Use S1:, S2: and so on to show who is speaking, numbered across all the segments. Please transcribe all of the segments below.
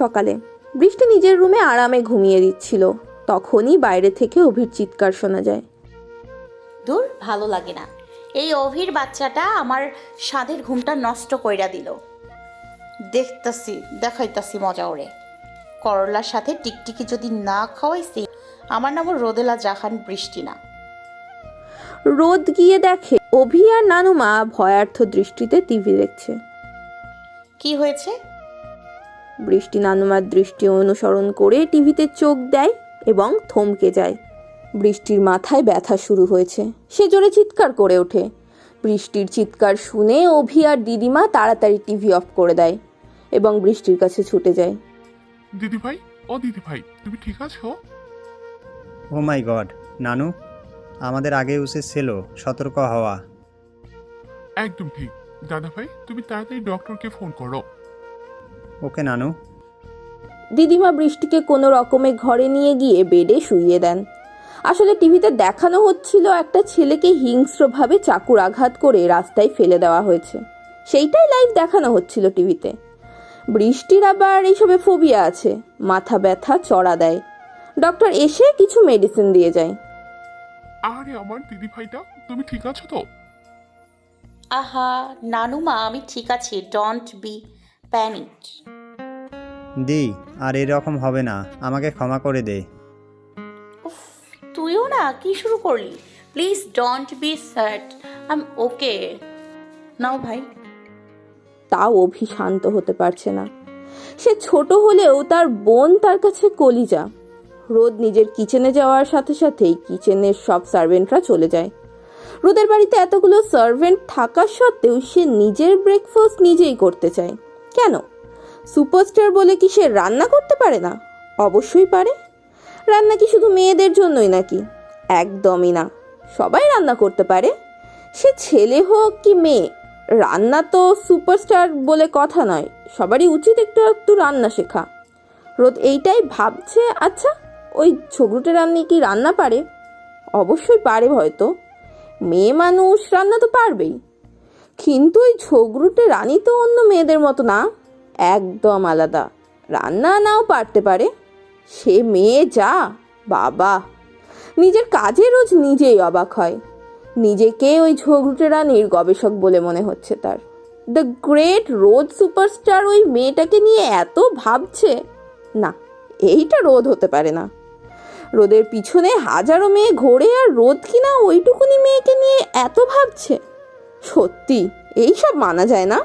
S1: সকালে বৃষ্টি নিজের রুমে আরামে ঘুমিয়ে দিচ্ছিল। তখনই বাইরে থেকে অভির চিৎকার শোনা যায়।
S2: দূর, ভালো লাগে না। এই অভির বাচ্চাটা আমার স্বাদের ঘুমটা নষ্ট কইরা দিল। দেখাইতাছি মজা ওরে। করলার সাথে টিকটিকি যদি না খাওয়াইছি, আমার নাম রোদেলা জাহান বৃষ্টি না।
S1: রোদ গিয়ে দেখে অভি আর নানুমা ভয়ার্থ দৃষ্টিতে টিভি দেখছে।
S2: কি হয়েছে?
S1: বৃষ্টি নানুমার দৃষ্টি অনুসরণ করে টিভিতে চোখ দেয় এবং থমকে যায়। বৃষ্টির মাথায় ব্যথা শুরু হয়েছে। সে জোরে চিৎকার করে ওঠে। বৃষ্টির চিৎকার শুনে অভি আর দিদিমা তাড়াতাড়ি টিভি অফ করে দেয় এবং বৃষ্টির কাছে ছুটে যায়।
S3: দিদি ভাই, ও দিদি ভাই, তুমি ঠিক আছো?
S4: ও মাই গড, নানু, আমাদের আগে উচিত ছিল সতর্ক হওয়া।
S3: একদম ঠিক। দাদা ভাই, তুমি তাড়াতাড়ি ডক্টরকে ফোন করো।
S4: ওকে নানু।
S1: দিদিমা বৃষ্টিকে কোনো রকমে ঘরে নিয়ে গিয়ে বেডে শুইয়ে দেন। আসলে টিভিতে দেখানো হচ্ছিল একটা ছেলেকে হিংস্রভাবে চাকুর আঘাত করে রাস্তায় ফেলে দেওয়া হয়েছে। সেইটাই লাইভ দেখানো হচ্ছিল টিভিতে। বৃষ্টির আবার এইসবে ফোবিয়া আছে। মাথা ব্যথা চড়া দেয়। ডক্টর এসে কিছু মেডিসিন দিয়ে যায়।
S3: আরে আমার দিদি ভাইটা, তুমি ঠিক আছো তো?
S2: আহা নানুমা, আমি ঠিক আছি। Don't be panic.
S4: দি, আর এরকম হবে না, আমাকে ক্ষমা করে দে।
S2: উফ, তুইও না কি শুরু করলি? Please don't be sad, I am okay now ভাই।
S1: তাও অভি শান্ত হতে পারছে না। সে ছোট হলেও তার বোন তার কাছে কলিজা। রোদ নিজের কিচেনে যাওয়ার সাথে সাথেই কিচেনের সব সার্ভেন্টরা চলে যায়। রোদের বাড়িতে এতগুলো সার্ভেন্ট থাকা সত্ত্বেও সে নিজের ব্রেকফাস্ট নিজেই করতে চায়। কেন? সুপারস্টার বলে কি সে রান্না করতে পারে না? অবশ্যই পারে। রান্না কি শুধু মেয়েদের জন্যই নাকি? একদমই না। সবাই রান্না করতে পারে, সে ছেলে হোক কি মেয়ে। রান্না তো সুপারস্টার বলে কথা নয়। সবারই উচিত একটু একটু রান্না শেখা। রোদ এইটাই ভাবছে। আচ্ছা, ওই ছোগরুটে রান্না কি রান্না পারে? অবশ্যই পারে হয়তো। মেয়ে মানুষ রান্না তো পারবেই। কিন্তু ওই ছোগরুটে রানী তো অন্য মেয়েদের মতো না, একদম আলাদা। রান্না নাও পারতে পারে। সে মেয়ে যা, বাবা! নিজের কাজে রোজ নিজেই অবাক হয়। নিজেকে ওই ঝগড়ুটে রানীর গবেষক বলে মনে হচ্ছে তার। দ্য গ্রেট রোদ সুপারস্টার ওই মেয়েটাকে নিয়ে এত ভাবছে। না, এইটা রোদ হতে পারে না। রোদের পিছনে হাজারো মেয়ে ঘোরে আর রোদ কিনা ওইটুকুনি মেয়েকে নিয়ে এত ভাবছে। সত্যি এইসব মানা যায় না।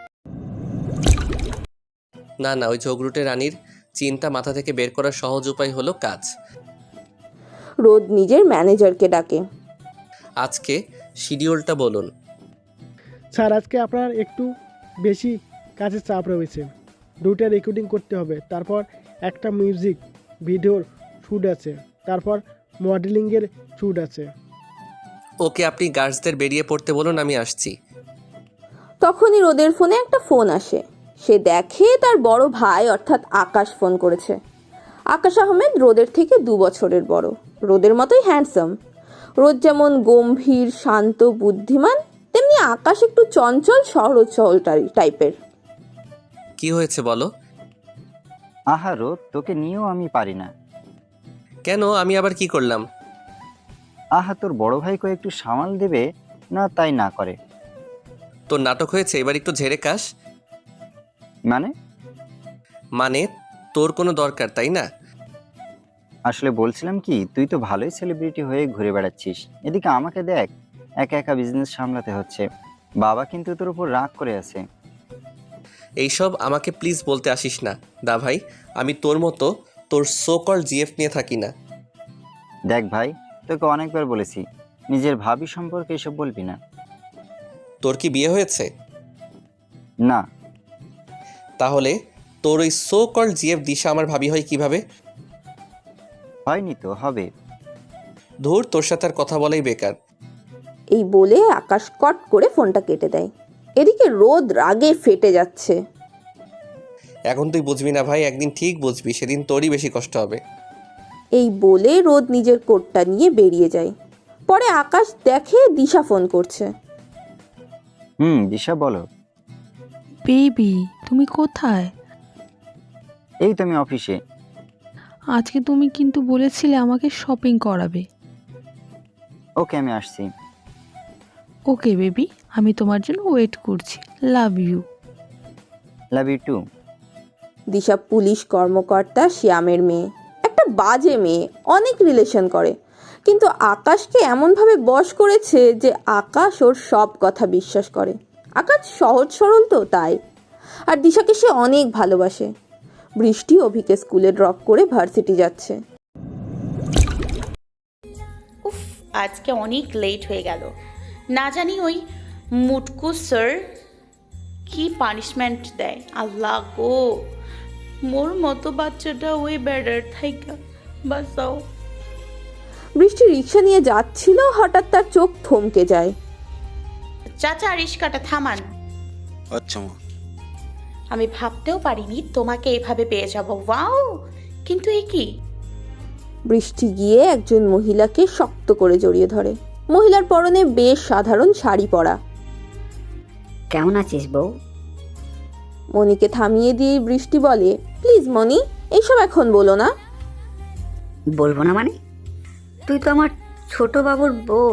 S5: না না, ওই ঝগড়ুটে রানীর চিন্তা মাথা থেকে বের করার সহজ উপায় হলো কাজ।
S1: রোদ নিজের ম্যানেজারকে ডাকে।
S5: আজকে শিডিউলটা বলুন।
S6: স্যার, আজকে আপনার একটু বেশি কাজের চাপ রয়েছে। 2টা রেকর্ডিং করতে হবে, তারপর একটা মিউজিক ভিডিওর শ্যুট আছে, তারপর মডেলিংয়ের শ্যুট আছে।
S5: ওকে, আপনি গার্লসদের বেরিয়ে পড়তে বলুন, আমি আসছি।
S1: তখনই রোদের ফোনে একটা ফোন আসে। সে দেখে তার বড় ভাই অর্থাৎ আকাশ ফোন করেছে। আকাশ আহমেদ রোদের থেকে 2 বছরের বড়। রোদের মতোই হ্যান্ডসাম। রোদ যেমন গম্ভীর, শান্ত, বুদ্ধিমান, তেমনি আকাশ একটু চঞ্চল, সহজ সরল টাইপের।
S5: কি হয়েছে বলো?
S7: আহারো, তোকে নিয়েও আমি পারি না।
S5: কেন, আমি আবার কি করলাম?
S7: আহা, তোর বড় ভাইকে একটু সামাল দেবে না, তাই না করে।
S5: তোর নাটক হয়েছে, এবার একটু ঝেড়ে কাশ। মানে তোর কোনো দরকার, তাই না?
S7: আসলে বলছিলাম কি, তুই তো ভালোই সেলিব্রিটি হয়ে ঘুরে বেড়াচ্ছিস, এদিকে আমাকে দেখ, একা একা বিজনেস সামলাতে হচ্ছে। বাবা কিন্তু তোর উপর রাগ করে আছে।
S5: এইসব আমাকে প্লিজ বলতে আসিস না দা ভাই। আমি তোর মতো তোর সো কল জিএফ নিয়ে থাকি না।
S7: দেখ ভাই, তোকে অনেকবার বলেছি নিজের ভাবি সম্পর্কে এসব বলবি না।
S5: তোর কি বিয়ে হয়েছে?
S7: না।
S5: তাহলে তোর ওই সো কল জিএফ দিশা আমার ভাবি হয় কিভাবে?
S7: হয়নি তো, হবে।
S5: ধুর, তোর সাথে আর কথা বলাই বেকার।
S1: এই বলে আকাশ কট করে ফোনটা কেটে দেয়। এদিকে রোদ রাগে ফেটে যাচ্ছে।
S5: এখন তুই বুঝবি না ভাই, একদিন ঠিক বুঝবি, সেদিন তোরই বেশি কষ্ট হবে।
S1: এই বলে রোদ নিজের কোটটা নিয়ে বেরিয়ে যায়। পরে আকাশ দেখে দিশা ফোন করছে।
S7: দিশা বলো।
S8: বেবি, তুমি কোথায়?
S7: এই তো আমি অফিসে।
S8: আজকে তুমি কিন্তু বলেছিলে আমাকে শপিং করাবে।
S7: ওকে, আমি আসছি।
S8: ওকে বেবি, আমি তোমার জন্য ওয়েট করছি। Love you.
S7: Love you too.
S1: Disha police কর্মকর্তা শ্যামের মেয়ে, একটা বাজে মেয়ে, অনেক রিলেশন করে, কিন্তু আকাশকে এমনভাবে বশ করেছে যে আকাশ ওর সব কথা বিশ্বাস করে। আকাশ সহজ সরল তো তাই, আর দিশাকে সে অনেক ভালোবাসে। বৃষ্টি অভিকে স্কুলে ড্রপ করে ভার্সিটি যাচ্ছে।
S2: উফ, আজকে অনেক লেট হয়ে গেল। না জানি ওই মুটকু স্যার কি পানিশমেন্ট দেয়। আল্লাহ গো, মোর মতো বাচ্চাটা ওই বেড়ার থাইকা বাঁচাও।
S1: বৃষ্টি রিক্সা নিয়ে যাচ্ছিল, হঠাৎ তার চোখ থমকে যায়।
S2: চাচা, রিস্কাটা থামান।
S9: আচ্ছা মা।
S2: আমি ভাবতেও পারিনি তোমাকে এভাবে পেয়ে যাব। ওয়াও, কিন্তু এ কি?
S1: বৃষ্টি গিয়ে একজন মহিলাকে শক্ত করে জড়িয়ে ধরে। মহিলার পরনে বেশ সাধারণ শাড়ি পরা।
S10: কেমন আছিস বউ?
S1: মনিকে থামিয়ে দিয়ে বৃষ্টি বলে, প্লিজ মনি, এইসব এখন বলো না।
S10: বলবো না মানে? তুই তো আমার ছোট বাবুর বউ।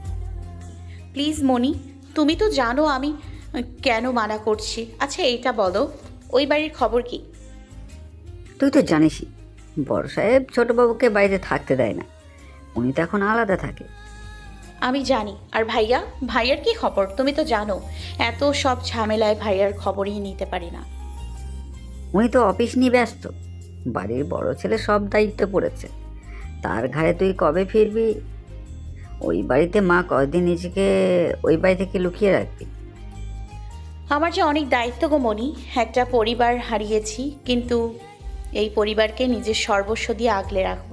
S2: প্লিজ মনি, তুমি তো জানো আমি কেন মানা করছি। আচ্ছা এইটা বলো, ওই বাড়ির খবর কি?
S10: তুই তো জানিসই, বড় সাহেব ছোট বাবুকে বাড়িতে থাকতে দেয় না। উনি তো এখন আলাদা থাকে।
S2: আমি জানি। আর ভাইয়া, ভাইয়ার কি খবর? তুমি তো জানো এত সব ঝামেলায় ভাইয়ার খবরই নিতে পারি না।
S10: উনি তো অফিস নিয়ে ব্যস্ত। বাড়ির বড় ছেলে সব দায়িত্ব পড়েছে তার ঘাড়ে। তুই কবে ফিরবি? ওই বাড়িতে মা কয়দিন নিজেকে ওই বাড়ি থেকে লুকিয়ে রাখবি?
S2: আমার যে অনেক দায়িত্ব গো মনি। একটা পরিবার হারিয়েছি, কিন্তু এই পরিবারকে নিজের সর্বস্ব দিয়ে আগলে রাখবো।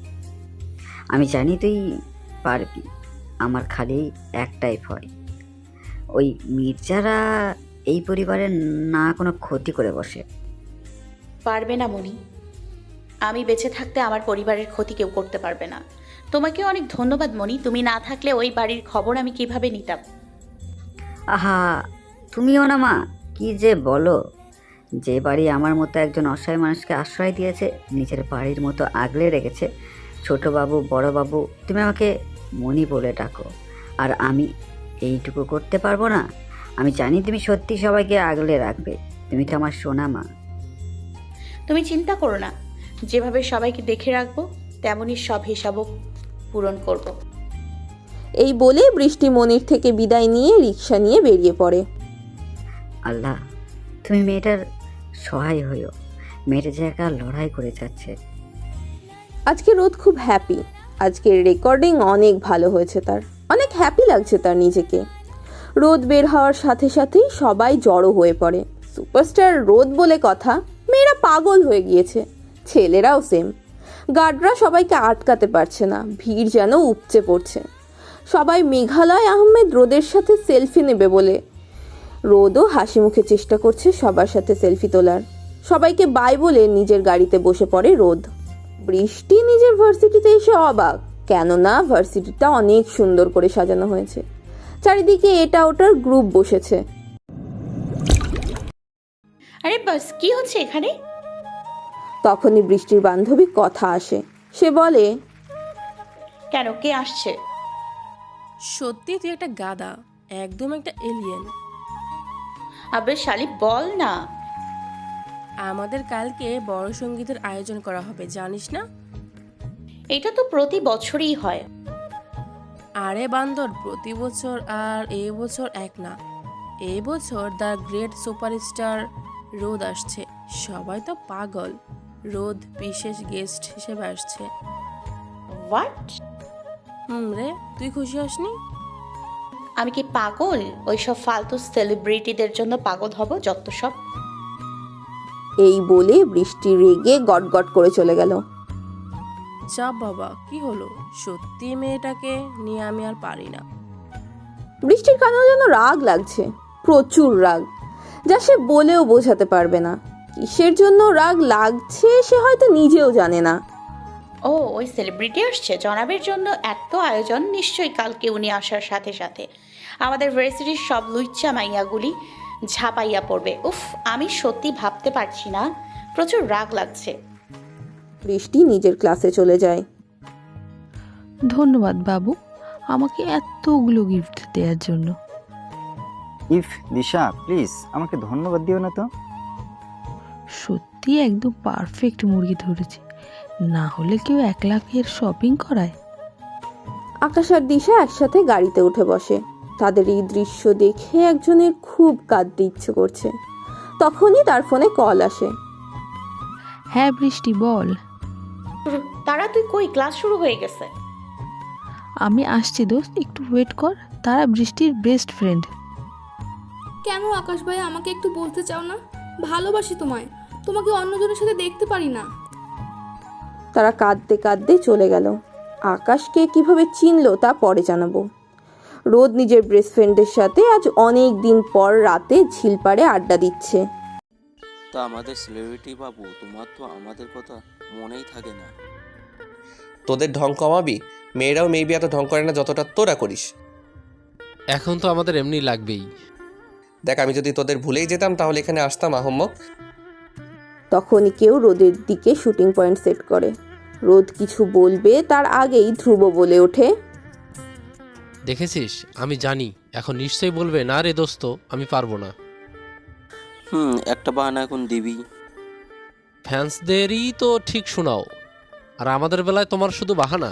S10: আমি জানি তুই পারবি। আমার খালি একটাই ভয়, ওই মির্জারা এই পরিবারের না কোনো ক্ষতি করে বসে।
S2: পারবে না মনি, আমি বেঁচে থাকতে আমার পরিবারের ক্ষতি কেউ করতে পারবে না। তোমাকে অনেক ধন্যবাদ মনি, তুমি না থাকলে ওই বাড়ির খবর আমি কিভাবে নিতাম।
S10: আহা, তুমিও না মা, কি যে বলো। যে বাড়ি আমার মতো একজন অসহায় মানুষকে আশ্রয় দিয়েছে, নিজের বাড়ির মতো আগলে রেখেছে। ছোট বাবু, বড় বাবু, তুমি আমাকে মনি বলে ডাকো, আর আমি এইটুকু করতে পারবো না? আমি জানি তুমি সত্যি সবাইকে আগলে রাখবে। তুমি তো আমার সোনা মা।
S2: তুমি চিন্তা করো না, যেভাবে সবাইকে দেখে রাখবো তেমনই সব হিসাবও পূরণ করব।
S1: এই বলে বৃষ্টি মনির থেকে বিদায় নিয়ে রিক্সা নিয়ে বেরিয়ে পড়ে।
S10: আল্লাহ, তুমি মেয়েটার সহায় হইও। মেয়েটা যে একা লড়াই করে যাচ্ছে।
S1: আজকে রোদ খুব হ্যাপি। আজকের রেকর্ডিং অনেক ভালো হয়েছে তার, অনেক হ্যাপি লাগছে তার নিজেকে। রোদ বের হওয়ার সাথে সাথেই সবাই জড়ো হয়ে পড়ে। সুপারস্টার রোদ বলে কথা, মেয়েরা পাগল হয়ে গিয়েছে, ছেলেরাও সেম। গার্ডরা সবাইকে আটকাতে পারছে না, ভিড় যেন উপচে পড়ছে। সবাই মেঘালয় আহমেদ রোদের সাথে সেলফি নেবে বলে রোদও হাসি মুখে চেষ্টা করছে সবার সাথে সেলফি তোলার। সবাইকে বাই বলে নিজের গাড়িতে বসে পড়ে রোদ। বৃষ্টি নিজের ভার্সিটিতে এসে অবাক, কেননা ভার্সিটিটা অনেক সুন্দর করে সাজানো হয়েছে। চারিদিকে এটা ওটার গ্রুপ বসেছে।
S2: আরে বাস, কি হচ্ছে এখানে?
S1: তখনই বৃষ্টির বান্ধবী কথা আসে। সে বলে,
S2: কেন, কে আসছে?
S11: সত্যি তুই একটা গাধা, একদম একটা এলিয়েন।
S2: আবে শালি, বল না।
S11: আমাদের কালকে বড় সঙ্গীতের আয়োজন করা হবে, জানিস না?
S2: এটা তো প্রতি বছরই হয়।
S11: আরে বান্দর, প্রতি বছর আর এই বছর এক না। এই বছর দ্য গ্রেট সুপারস্টার রোদ আসছে। সবাই তো পাগল, রোদ বিশেষ গেস্ট হিসেবে আসছে।
S2: হোয়াট?
S11: রে, তুই খুশি হসনি?
S2: আমি কি পাগল ওইসব ফালতু সেলিব্রিটিদের জন্য পাগল হব? যত সব।
S1: এই বলে বৃষ্টি রেগে গটগট করে চলে গেল।
S11: যা বাবা, কি হলো? সত্যি মেয়েটাকে নিয়ে আমি আর পারি না।
S1: বৃষ্টির কানেও যেন রাগ লাগছে, প্রচুর রাগ, যা সে বলেও বোঝাতে পারবে না। কিসের জন্য রাগ লাগছে সে হয়তো নিজেও জানে না।
S2: ও, ওই সেলিব্রিটি আসছে জনাবের জন্য এত আয়োজন, নিশ্চয়ই কালকে উনি আসার সাথে সাথে আমাদের ভার্সিটির সব লুচ্চা মাইয়াগুলি ঝাঁপাইয়া পড়বে। উফ, আমি সত্যি ভাবতে পারছি না প্রচুর রাগ লাগছে।
S1: বৃষ্টি নিজের ক্লাসে চলে যায়।
S8: ধন্যবাদ বাবু আমাকে এতগুলো গিফট দেওয়ার জন্য।
S7: ইফ দিশা প্লিজ আমাকে ধন্যবাদ দিও না তো।
S8: সত্যি একদম পারফেক্ট মুরগি ধরেছি, না হলে কেউ 1 লাখের শপিং করায়।
S1: আকাশ আর দিশা একসাথে গাড়িতে উঠে বসে। তাদের এই দৃশ্য দেখে একজনের খুব কাঁদতে ইচ্ছে করছে। তখনই তার ফোনে কল আসে।
S8: হ্যাঁ বৃষ্টি বল।
S2: তারা তুই কই? ক্লাস শুরু হয়ে গেছে।
S8: আমি আসছি দোস্ত, একটু ওয়েট কর। তারা বৃষ্টির বেস্ট ফ্রেন্ড।
S9: কেন আকাশ ভাই আমাকে একটু বলতে চাও না? ভালোবাসি তোমায়, তোমাকে অন্যজনের সাথে দেখতে পারি না।
S1: তারা কাঁদতে কাঁদতে চলে গেল। আকাশকে কিভাবে চিনলো তা পরে জানাবো। রোদ নিজের বেস্ট ফ্রেন্ডের সাথে আজ অনেক দিন পর রাতে ঝিলপাড়ে আড্ডা দিচ্ছে।
S12: তা আমাদের সেলিব্রিটি বাবু, তোমার তো আমাদের কথা মনেই থাকে না।
S5: তোদের ঢং কমাবি? মেয়েরাও মেবি এত ঢং করে না যতটা তোরা করিস।
S13: এখন তো আমাদের এমনি লাগবেই।
S5: দেখ, আমি যদি তোদের ভুলেই যেতাম তাহলে এখানে আসতাম আহম্মক।
S1: তখনই কেউ রোদের দিকে শুটিং পয়েন্ট সেট করে। রোদ কিছু বলবে তার আগেই ধ্রুব বলে ওঠে,
S13: দেখেছিস, আমি জানি এখন নিশ্চয়ই বলবে না রে দোস্ত, আমি পারবো না।
S12: একটা বাহানা এখন দিবি।
S13: ফ্যান্সদেরই তো ঠিক শোনাও, আর আমাদের বেলায় তোমার শুধু বাহানা।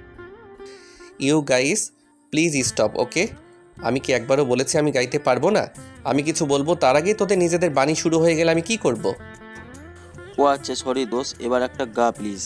S5: You guys please stop, okay? আমি কি একবারও বলেছি আমি গাইতে পারবো না? আমি কিছু বলবো তার আগেই তোদের নিজেদের বাণী শুরু হয়ে গেলে আমি কি করব?
S12: ও আচ্ছা সরি দোস্ত, এবার একটা গা প্লিজ।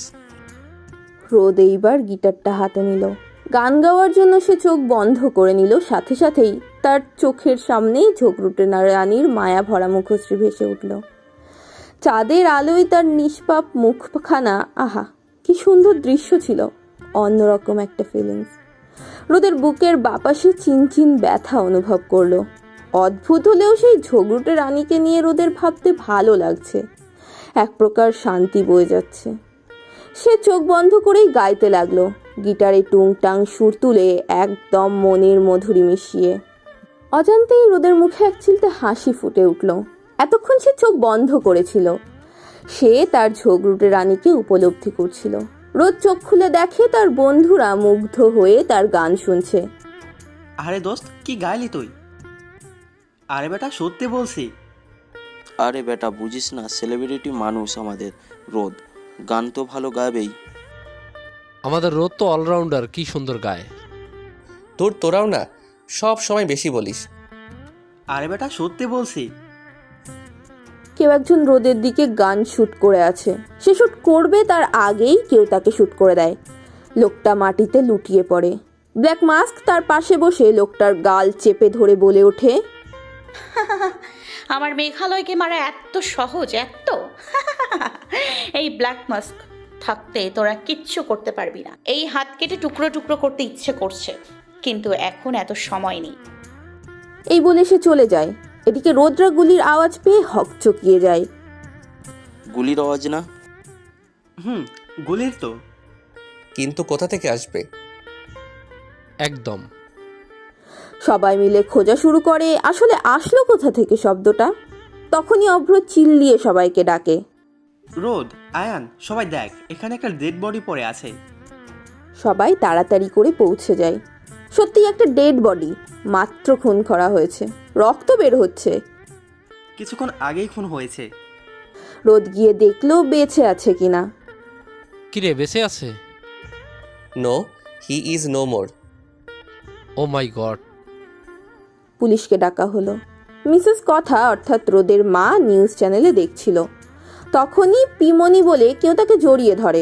S1: রোদ এইবার গিটারটা হাতে নিল। গান গাওয়ার জন্য সে চোখ বন্ধ করে নিল। সাথে সাথেই তার চোখের সামনেই ঝোঁকরুটে রানীর মায়া ভরা মুখশ্রী ভেসে উঠল। চাঁদের আলোয় তার নিষ্পাপ মুখখানা, আহা কি সুন্দর দৃশ্য ছিল। অন্যরকম একটা ফিলিংস। রোদের বুকের বাপাসে চিনচিন ব্যথা অনুভব করলো। অদ্ভুত হলেও সেই ঝোঁকরুটে রানীকে নিয়ে রোদের ভাবতে ভালো লাগছে। এক প্রকার শান্তি বয়ে যাচ্ছে। সে চোখ বন্ধ করেই গাইতে লাগলো, গিটারে টুংটাং সুর তুলে একদম মনের মধুরি মিশিয়ে। অজান্তেই রোদের মুখে এক চিলতে হাসি ফুটে উঠল। এতক্ষণ সে চোখ বন্ধ করেছিল। সে তার ঝোঁকরুটে রানীকে উপলব্ধি করছিল। রোদ চোখ খুলে দেখে তার বন্ধুরা মুগ্ধ হয়ে তার গান শুনছে।
S14: আরে দোস্ত, কি গাইলি তুই? আরে বেটা সত্যি বলছি।
S12: আরে বেটা বুঝিস না, সেলিব্রিটি মানুষ আমাদের রোদ, গান তো ভালো গাবেই।
S13: আমাদের রোদ তো অলরাউন্ডার, কি সুন্দর গায়।
S5: তোরাও না সব সময় বেশি বলিস।
S14: আরে বেটা সত্যি বলছি।
S1: কেউ একজন রোদের দিকে গান শুট করে আছে। সে শুট করবে তার আগেই কেউ তাকে শুট করে দেয়। লোকটা মাটিতে লুটিয়ে পড়ে। ব্ল্যাক মাস্ক তার পাশে বসে লোকটার গাল চেপে ধরে বলে ওঠে,
S2: আমার মেঘালয়কে মারা এত সহজ? এত এই ব্ল্যাক মাস্ক থাকতে তোরা কিচ্ছু করতে পারবি না। এই হাত কেটে টুকরো টুকরো করতে ইচ্ছে করছে, কিন্তু এখন এত সময় নেই।
S1: এই বলে সে চলে যায়। এদিকে রোদরা গুলির আওয়াজ পেয়ে হকচকিয়ে যায়।
S12: গুলির আওয়াজ না?
S14: গুলির তো।
S5: কিন্তু কোথা থেকে আসবে?
S13: একদম।
S1: সবাই মিলে খোঁজা শুরু করে আসলে আসলো কোথা থেকে শব্দটা। তখনই অভ্র চিল্লিয়ে সবাইকে ডাকে,
S14: রোদ, আয়ান, সবাই দেখ, এখানে একটা ডেড বডি পড়ে আছে।
S1: সবাই তাড়াতাড়ি করে পৌঁছে যায়। সত্যি একটা ডেড বডি, মাত্র খুন করা হয়েছে, রক্ত বের হচ্ছে।
S14: কিছুক্ষণ আগেই খুন হয়েছে।
S1: রোদ গিয়ে দেখলো বেঁচে আছে কিনা।
S13: কিরে, বেঁচে আছে?
S5: No, he is no more.
S13: Oh my god.
S1: পুলিশকে ডাকা হলো। মিসেস কথা অর্থাৎ রোদের মা নিউজ চ্যানেলে দেখছিল। তখনই পিমনি বলে কেউ তাকে জড়িয়ে ধরে।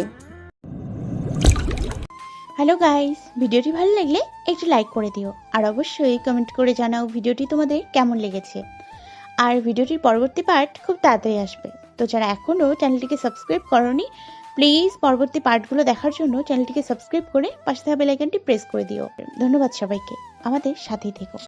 S2: হ্যালো গাইস, ভিডিওটি ভালো লাগলে একটু লাইক করে দিও, আর অবশ্যই কমেন্ট করে জানাও ভিডিওটি তোমাদের কেমন লেগেছে। আর ভিডিওটির পরবর্তী পার্ট খুব তাড়াতাড়ি আসবে। তো যারা এখনও চ্যানেলটিকে সাবস্ক্রাইব করোনি, প্লিজ পরবর্তী পার্টগুলো দেখার জন্য চ্যানেলটিকে সাবস্ক্রাইব করে পাশে থাকা বেল আইকনটি প্রেস করে দিও। ধন্যবাদ সবাইকে, আমাদের সাথেই থেকো।